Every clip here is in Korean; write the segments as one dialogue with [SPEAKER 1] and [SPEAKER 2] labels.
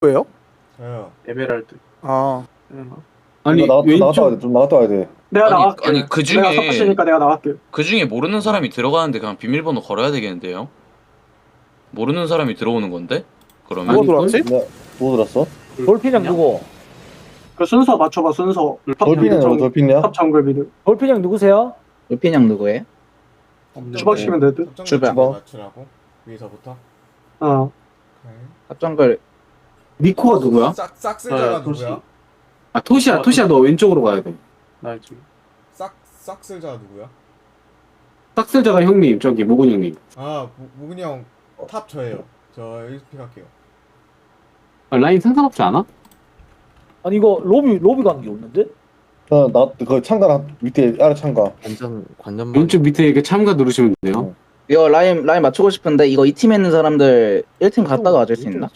[SPEAKER 1] 왜요?
[SPEAKER 2] 저요.
[SPEAKER 3] 에메랄드.
[SPEAKER 1] 아,
[SPEAKER 4] 아니
[SPEAKER 5] 나갔다 와야
[SPEAKER 4] 왼쪽
[SPEAKER 5] 돼. 좀 나갔다 와야 돼.
[SPEAKER 3] 내가
[SPEAKER 6] 아니,
[SPEAKER 3] 나갈게.
[SPEAKER 6] 아니, 그 중에-
[SPEAKER 3] 내가 서포시니까 내가 나갈게.
[SPEAKER 6] 그 중에 모르는 사람이 들어가는데 그냥 비밀번호 걸어야 되겠는데요? 모르는 사람이 들어오는 건데? 그러면?
[SPEAKER 1] 누가 들어왔지?
[SPEAKER 5] 뭐 들었어?
[SPEAKER 7] 돌핀형 누구?
[SPEAKER 3] 그 순서 맞춰봐 순서.
[SPEAKER 5] 돌핀이냐 돌핀이야?
[SPEAKER 3] 탑 정글 미드.
[SPEAKER 7] 돌핀형 누구세요?
[SPEAKER 8] 돌핀형 누구예요?
[SPEAKER 3] 주박시면 될 듯.
[SPEAKER 2] 주변
[SPEAKER 5] 주방.
[SPEAKER 2] 맞추라고 위에서부터.
[SPEAKER 3] 어.
[SPEAKER 8] 합정글
[SPEAKER 4] 니코가 누구야?
[SPEAKER 2] 싹쓸자가
[SPEAKER 3] 토시.
[SPEAKER 2] 누구야?
[SPEAKER 4] 아 토시야 너 왼쪽으로 가야 돼.
[SPEAKER 3] 나 지금.
[SPEAKER 2] 싹쓸자가 누구야?
[SPEAKER 4] 싹쓸자가 형님 저기 모근 형님.
[SPEAKER 2] 아 무근이 형 탑 저예요. 저 여기서 픽할게요.
[SPEAKER 4] 아, 라인 상관없지 않아?
[SPEAKER 7] 아니 이거 로비 가는 게 없는데?
[SPEAKER 5] 나그 창가 밑에 아래 창가.
[SPEAKER 9] 관전
[SPEAKER 4] 왼쪽 밑에 이렇게 참가 누르시면 돼요.
[SPEAKER 8] 이거 라인 맞추고 싶은데 이거 이 팀에 있는 사람들 1팀 갔다가 와줄 수 있나?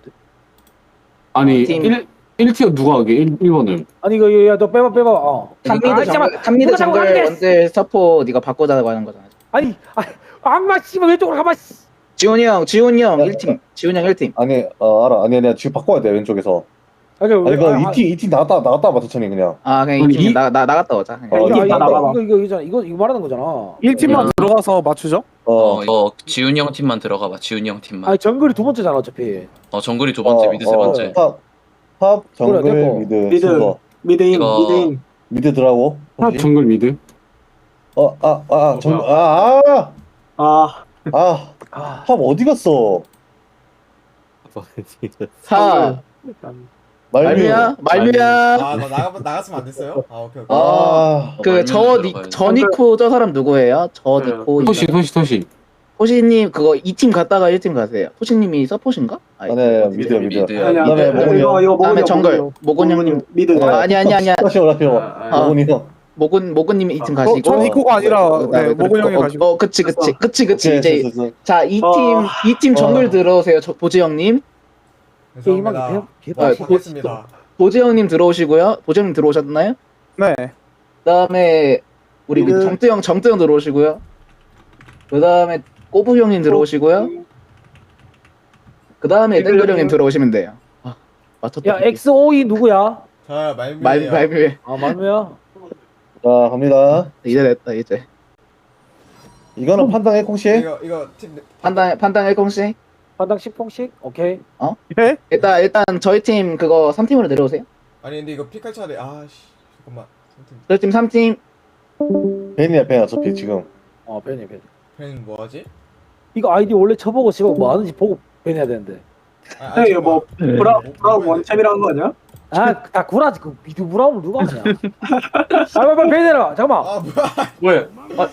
[SPEAKER 4] 아니
[SPEAKER 8] 팀.
[SPEAKER 4] 1티어 누가 하게 1번을.
[SPEAKER 7] 아니 이거 야너 빼봐.
[SPEAKER 8] 탑미드 정글 원딜 서포 네가 바꾸자고 하는 거잖아.
[SPEAKER 7] 아니 악마 씨발 왼쪽으로 가봐.
[SPEAKER 8] 지훈이 형 1팀. 지훈이 형 1팀.
[SPEAKER 5] 아니 알아. 아니야 지금 바꿔야 돼 왼쪽에서.
[SPEAKER 7] 아니
[SPEAKER 5] 이거 이팀 나갔다 봐 천천히 그냥.
[SPEAKER 8] 아 그냥
[SPEAKER 4] 아니,
[SPEAKER 8] 이 팀 나갔다 오자. 그냥.
[SPEAKER 5] 어,
[SPEAKER 3] 이거 나가봐.
[SPEAKER 7] 이거 말하는 거잖아.
[SPEAKER 1] 1팀만 들어가서 맞추죠?
[SPEAKER 6] 이거 지훈이 형 팀만 들어가봐. 지훈이 형 팀만.
[SPEAKER 7] 아니 정글이 두 번째잖아 어차피.
[SPEAKER 6] 정글이 두 번째, 미드 세 번째.
[SPEAKER 5] 탑 정글
[SPEAKER 7] 그래, 됐고.
[SPEAKER 5] 미드
[SPEAKER 3] 미드.
[SPEAKER 5] 순서.
[SPEAKER 3] 미드인
[SPEAKER 6] 이거-
[SPEAKER 3] 미드인.
[SPEAKER 5] 미드 들어가고.
[SPEAKER 4] 탑 정글 미드.
[SPEAKER 5] 정글
[SPEAKER 3] 아.
[SPEAKER 5] 탑 어디 갔어?
[SPEAKER 8] 사 말미야.
[SPEAKER 2] 아나 나갔으면 안 됐어요? 아 오케이.
[SPEAKER 6] 말미암
[SPEAKER 8] 저 니코 저 사람 누구예요? 저
[SPEAKER 3] 네.
[SPEAKER 8] 니코
[SPEAKER 4] 토시.
[SPEAKER 8] 토시님 그거 2팀 갔다가 1팀 가세요. 토시님이 서포신가?
[SPEAKER 5] 아네 미드.
[SPEAKER 6] 미드야.
[SPEAKER 3] 아니야.
[SPEAKER 5] 그다음에 모근이 형.
[SPEAKER 3] 이거
[SPEAKER 8] 그다음에
[SPEAKER 3] 모근이
[SPEAKER 8] 정글
[SPEAKER 3] 형.
[SPEAKER 8] 모근 형님.
[SPEAKER 3] 미드.
[SPEAKER 8] 아니야.
[SPEAKER 5] 다시 오라요.
[SPEAKER 8] 아.
[SPEAKER 5] 모근이 형.
[SPEAKER 8] 모근님이 2팀 가시고.
[SPEAKER 1] 저 니코가 아니라
[SPEAKER 8] 그다음에
[SPEAKER 1] 모근 형이 가시고.
[SPEAKER 8] 그치.
[SPEAKER 5] 오케이,
[SPEAKER 8] 이제
[SPEAKER 5] 됐어.
[SPEAKER 8] 자 2팀 정글 들어오세요. 보재 형님.
[SPEAKER 2] 죄송합니다.
[SPEAKER 8] 아,
[SPEAKER 2] 바꿨습니다.
[SPEAKER 8] 보재 형님 들어오시고요. 보재 형님 들어오셨나요?
[SPEAKER 1] 네.
[SPEAKER 8] 그다음에 우리
[SPEAKER 3] 미드.
[SPEAKER 8] 정tư 형 들어오시고요. 그다음에 꼬부 형님 들어오시고요. 그다음에
[SPEAKER 3] 미드
[SPEAKER 8] 땡글
[SPEAKER 3] 형님.
[SPEAKER 8] 형님 들어오시면 돼요. 맞췄다.
[SPEAKER 7] 야 XOE 누구야?
[SPEAKER 2] 자 말미.
[SPEAKER 8] 말미에
[SPEAKER 7] 아 말미야.
[SPEAKER 5] 자 갑니다.
[SPEAKER 8] 이제 됐다 이제.
[SPEAKER 5] 이거는 판단해 콩씨.
[SPEAKER 2] 이거 팀
[SPEAKER 8] 판단 1공씩.
[SPEAKER 7] 반당 10통씩? 오케이.
[SPEAKER 1] 예?
[SPEAKER 8] 일단 저희 팀 그거 3팀으로 내려오세요.
[SPEAKER 2] 아니 근데 이거 픽할 차례 아씨 잠깐만.
[SPEAKER 8] 저희 팀 3팀.
[SPEAKER 5] 벤이야 어차피 지금.
[SPEAKER 7] 벤이.
[SPEAKER 2] 팬 뭐하지?
[SPEAKER 7] 이거 아이디 원래 쳐보고 지금 뭐 하는지 보고 벤해야 되는데.
[SPEAKER 3] 형 이거 뭐 브라운 원챔이라는 거 아니야?
[SPEAKER 7] 다 구라지 그 미드 브라운을 누가 하냐? 빨리 벤해라. 잠깐만.
[SPEAKER 2] 아 뭐야?
[SPEAKER 3] 왜?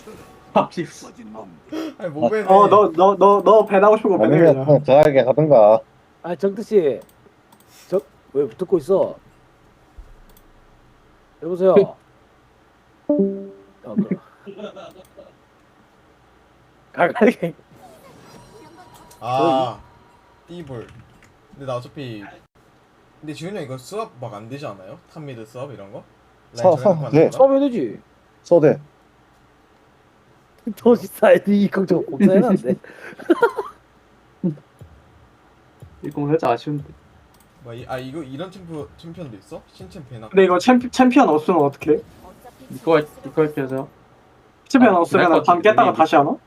[SPEAKER 2] 아니 뭐 팬?
[SPEAKER 3] 너 배나고 싶은 거 배내
[SPEAKER 5] 아니면
[SPEAKER 3] 그냥.
[SPEAKER 5] 그냥 잘하게 가든가.
[SPEAKER 7] 아 정트 씨, 왜 듣고 있어? 여보세요. 가가게.
[SPEAKER 2] 아 띠볼. 근데 나 어차피 근데 지훈이 형 이거 수업 막 안 되지 않아요? 탑미드 수업 이런 거? 라인 저렴
[SPEAKER 5] 네.
[SPEAKER 2] 하는 거?
[SPEAKER 7] 처음에 되지.
[SPEAKER 5] 써대.
[SPEAKER 7] 도시 사이드 이 걱정 공사해놨는데.
[SPEAKER 3] 이거 살짝 아쉬운데.
[SPEAKER 2] 이거 이런 챔피언도 있어? 신챔피언.
[SPEAKER 3] 근데 이거 챔피언 없으면 어떡해?
[SPEAKER 9] 이거 할게요.
[SPEAKER 3] 챔피언
[SPEAKER 9] 아,
[SPEAKER 3] 없으면
[SPEAKER 9] 그럴
[SPEAKER 3] 밤
[SPEAKER 9] 것
[SPEAKER 3] 깼다가
[SPEAKER 9] 같은데,
[SPEAKER 3] 다시 하나?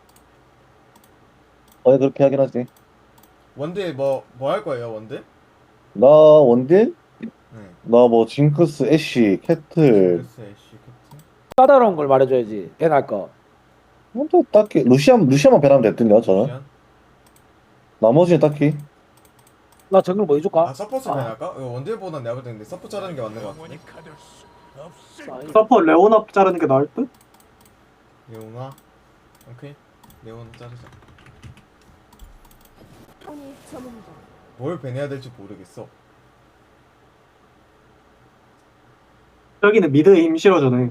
[SPEAKER 5] 그렇게 하긴 하지.
[SPEAKER 2] 원딜 뭐 할 거예요 원딜?
[SPEAKER 5] 나 원딜?
[SPEAKER 2] 네.
[SPEAKER 5] 나 뭐 징크스, 애쉬, 캐틀.
[SPEAKER 2] 글쎄 씨 캡틴.
[SPEAKER 7] 까다로운 걸 말해줘야지. 벤할 거.
[SPEAKER 5] 또 딱히 루시안만 배나면 됐던데요 저는.
[SPEAKER 2] 시안?
[SPEAKER 5] 나머지는 딱히.
[SPEAKER 7] 나 정글 뭐 해줄까?
[SPEAKER 2] 아 서포트 할까? 이거 원딜보다 내가 볼 때는 서포트 자르는 게 맞는 것 같은데.
[SPEAKER 3] 서퍼 레오나 자르는 게 나을 듯?
[SPEAKER 2] 레오나. 오케이. 레오나 자르자. 뭘 배내야 될지 모르겠어.
[SPEAKER 3] 저기는 미드에 힘 실어주네.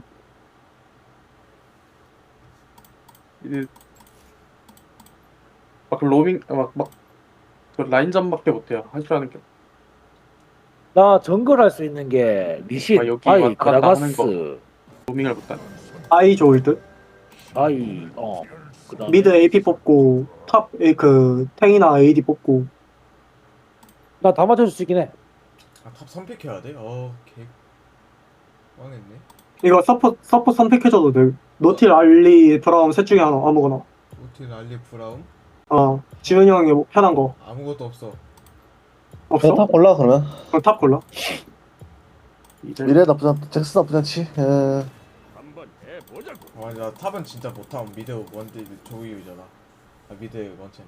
[SPEAKER 9] 막 로밍 그 라인전밖에 못해요. 할 줄 아는 게.
[SPEAKER 7] 나 정글 할 수 있는 게 리신,
[SPEAKER 9] 아, 여기
[SPEAKER 7] 바이,
[SPEAKER 9] 왔다 갔다 하는
[SPEAKER 7] 그라가스,
[SPEAKER 9] 로밍을 못하네.
[SPEAKER 3] 아이 좋을 듯?
[SPEAKER 7] 바이, 그다음
[SPEAKER 3] 미드 AP 뽑고 탑 그 탱이나 AD 뽑고.
[SPEAKER 7] 나 다 맞춰줄 수 있긴 해.
[SPEAKER 2] 아탑 선픽해야 돼? 개 망했네.
[SPEAKER 3] 이거 서포 선택해줘도 돼. 노틸, 알리, 브라움 셋 중에 하나 아무거나.
[SPEAKER 2] 오틸 알리 브라움
[SPEAKER 3] 지훈이 형이 뭐 편한 거
[SPEAKER 2] 아무것도 없어.
[SPEAKER 3] 없어?
[SPEAKER 5] 그냥 탑 골라 그러면.
[SPEAKER 3] 그럼 탑 골라.
[SPEAKER 9] 이제
[SPEAKER 5] 미래 나쁘지 않, 잭스 나쁘지 않지.
[SPEAKER 2] 나 탑은 진짜 못하면 미드 원딜 조이유잖아. 미드 원챔.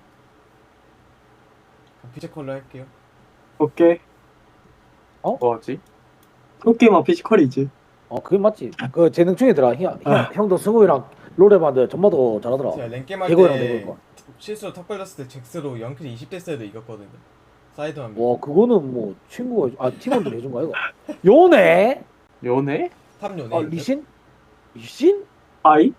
[SPEAKER 2] 피지컬로 할게요.
[SPEAKER 3] 오케이.
[SPEAKER 9] 뭐하지?
[SPEAKER 3] 게임만 피지컬이지.
[SPEAKER 7] 그게 맞지. 그 재능 충이더라. 형도 승우이랑 롤 해봤는데 전마도 잘하더라.
[SPEAKER 2] 제가 랭겜
[SPEAKER 7] 대고랑
[SPEAKER 2] 할때
[SPEAKER 7] 대고.
[SPEAKER 2] 실수로 탑 걸렸을 때 잭스로 영클이 20대 때도 이겼거든요. 사이드만
[SPEAKER 7] 와 그거는 뭐 친구가 팀원들이 해준 거 아이가? 요네?
[SPEAKER 9] 연애?
[SPEAKER 2] 탑 요네.
[SPEAKER 7] 리신? 리신?
[SPEAKER 3] 아이?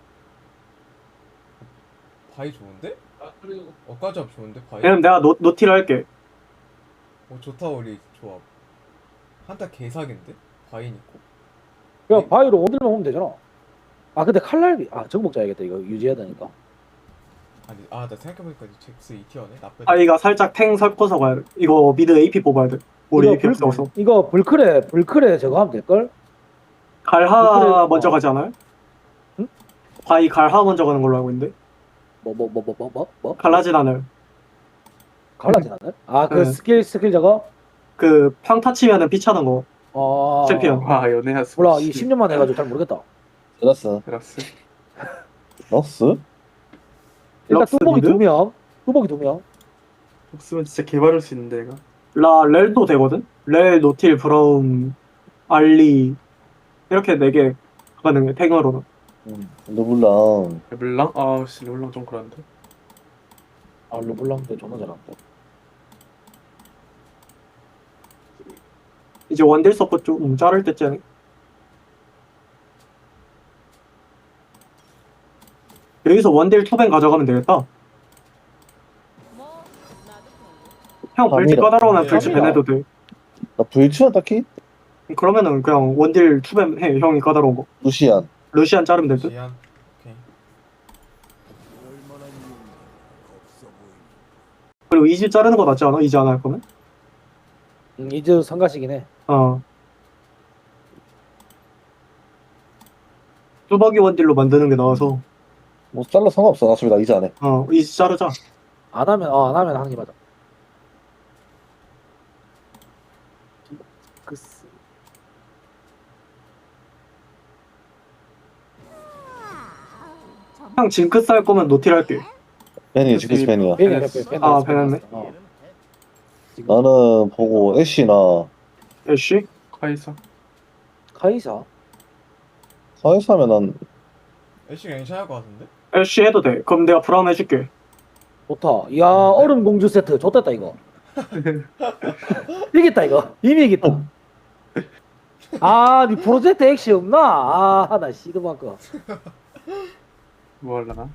[SPEAKER 2] 바이 좋은데? 엇가지업 좋은데 바이?
[SPEAKER 3] 왜냐면 내가 노틸 할게.
[SPEAKER 2] 좋다 우리 조합. 한타 개사기인데? 바인 있고.
[SPEAKER 7] 그냥 바위로 원딜만 오면 되잖아. 근데 칼날비 저거 먹자야겠다. 이거 유지해야 되니까.
[SPEAKER 2] 아니 나 생각해보니까 잭스 2티어네? 나쁘지.
[SPEAKER 3] 아이가 살짝 탱 섞어서 가야 돼. 이거 미드 AP 뽑아야 돼. 우리 AP 없어서.
[SPEAKER 7] 이거 불크레 저거 하면 될걸?
[SPEAKER 3] 갈하
[SPEAKER 7] 그래,
[SPEAKER 3] 먼저 가지 않아요?
[SPEAKER 7] 응?
[SPEAKER 3] 바이 갈하 먼저 가는 걸로 알고 있는데.
[SPEAKER 7] 뭐?
[SPEAKER 3] 갈라진 않아요.
[SPEAKER 7] 갈라진 않아요? 그
[SPEAKER 3] 네.
[SPEAKER 7] 스킬 저거?
[SPEAKER 3] 그 평타 치면은 피 차는 거. 챔피언.
[SPEAKER 9] 와 연애하수.
[SPEAKER 7] 몰라 이 10년 만에 해가지고 잘 모르겠다.
[SPEAKER 5] 들었어.
[SPEAKER 9] 들었어.
[SPEAKER 5] 러스?
[SPEAKER 7] 일단
[SPEAKER 3] 럭스
[SPEAKER 7] 뚜벅이
[SPEAKER 3] 미드?
[SPEAKER 7] 2명. 뚜벅이 2명.
[SPEAKER 9] 없으면 진짜 개발할 수 있는데 얘가.
[SPEAKER 3] 렐도 되거든? 렐, 노틸, 브라움, 알리 이렇게 4개 가능해 탱으로는.
[SPEAKER 5] 르블랑.
[SPEAKER 9] 르블랑? 아씨 르블랑 좀 그런데.
[SPEAKER 7] 르블랑도 존나 잘한다.
[SPEAKER 3] 이제 원딜 서포 좀 자를 때쯤. 여기서 원딜 투벤 가져가면 되겠다. 형 불치
[SPEAKER 5] 밤이라.
[SPEAKER 3] 까다로우면 불치
[SPEAKER 7] 밤이라.
[SPEAKER 3] 밴해도 돼.
[SPEAKER 5] 나 불치는 딱히
[SPEAKER 3] 그러면은 그냥 원딜 투벤 해. 형이 까다로운 거.
[SPEAKER 5] 루시안.
[SPEAKER 3] 루시안 자르면 될 듯.
[SPEAKER 2] 지안. 오케이.
[SPEAKER 3] 그리고 이즈 자르는 거 낫지 않아? 이즈 안 할 거면?
[SPEAKER 7] 이제 성가시긴 해.
[SPEAKER 3] 뚜벅이 원딜로 만드는 게 나와서
[SPEAKER 5] 뭐 잘라 상관없어. 나 어차피 나 이제 안 해.
[SPEAKER 3] 이즈 자르자.
[SPEAKER 7] 안 하면 하는 게 맞아.
[SPEAKER 3] 형 징크스 할 거면 노틸 할게.
[SPEAKER 5] 벤이 지크스 벤이야.
[SPEAKER 7] 벤이야.
[SPEAKER 3] 벤했네.
[SPEAKER 5] 나는 보고 애쉬나
[SPEAKER 3] 애쉬?
[SPEAKER 9] 카이사.
[SPEAKER 7] 카이사.
[SPEAKER 5] 사이스 하면 난
[SPEAKER 2] 애쉬 괜찮을 것 같은데?
[SPEAKER 3] 애쉬 해도 돼. 그럼 내가 브라움 해줄게.
[SPEAKER 7] 좋다. 야 얼음 공주 세트 좋댔다 이거. 이겼다 이거. 이미 이겼다. 니 프로젝트 액시 없나? 나 시드마크.
[SPEAKER 9] 뭐 할라나?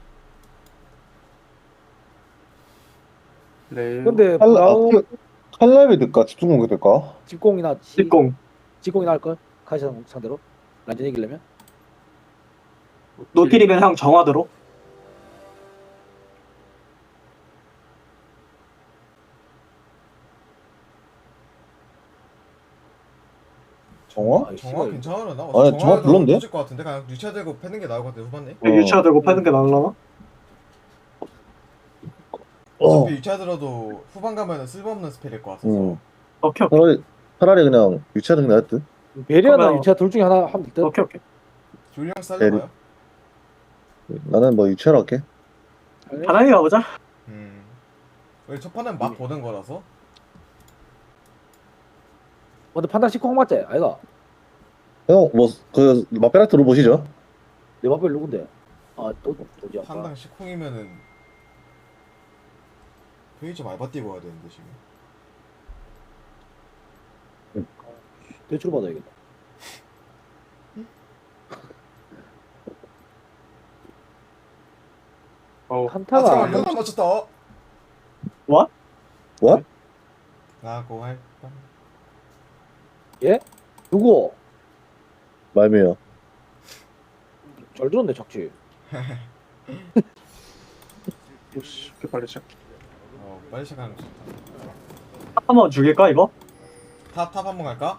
[SPEAKER 9] 레일.
[SPEAKER 7] 근데 브라움
[SPEAKER 5] 칼날비 될까? 집중 공격 될까?
[SPEAKER 7] 직공이나
[SPEAKER 3] 직공.
[SPEAKER 7] 직공이나 할걸? 카이사 상대로 완전 이기려면.
[SPEAKER 3] 노틸이면 형 정화대로.
[SPEAKER 5] 정화?
[SPEAKER 2] 정화 괜찮으려나?
[SPEAKER 5] 아니, 정화 별론데?
[SPEAKER 2] 터질 것 같은데? 그냥 유차 들고 패는 게 나을 것 같은데 후반에?
[SPEAKER 3] 유치화 들고 패는 게 나을라나?
[SPEAKER 2] 어차피 유차 들어도 후반 가면은 쓸모없는 스펠일 것 같아서
[SPEAKER 5] 응.
[SPEAKER 3] 오케이.
[SPEAKER 5] 차라리 그냥 유치하는 게 나을 듯.
[SPEAKER 7] 베리아나
[SPEAKER 3] 그러면-
[SPEAKER 7] 유차 둘 중에 하나 하면 될 듯.
[SPEAKER 3] 오케이.
[SPEAKER 2] 줄령 살려봐요?
[SPEAKER 5] 나는 뭐 유치하러 할게.
[SPEAKER 3] 바람이 가보자.
[SPEAKER 2] 우리 첫 판은 막 보는 거라서
[SPEAKER 7] 근데 판단 19 맞지? 아이가.
[SPEAKER 5] 형, 그 마페라트 로보시죠?
[SPEAKER 7] 내 마필 누군데? 또 누구야?
[SPEAKER 2] 판당 10콩이면은 페이지 말바 뛰고 가야 되는데 지금
[SPEAKER 7] 대출 받아야겠다. 한타가
[SPEAKER 2] 잠깐만 이거만 맞췄다
[SPEAKER 3] What?
[SPEAKER 2] 나고 할
[SPEAKER 7] 누구?
[SPEAKER 5] 말미요.
[SPEAKER 7] 잘 들었네 착지.
[SPEAKER 9] 오씨 이렇게 빨리 시작.
[SPEAKER 2] 빨리 시작하는 거 좋다
[SPEAKER 3] 한번 죽일까 이거?
[SPEAKER 2] 탑 한번 갈까?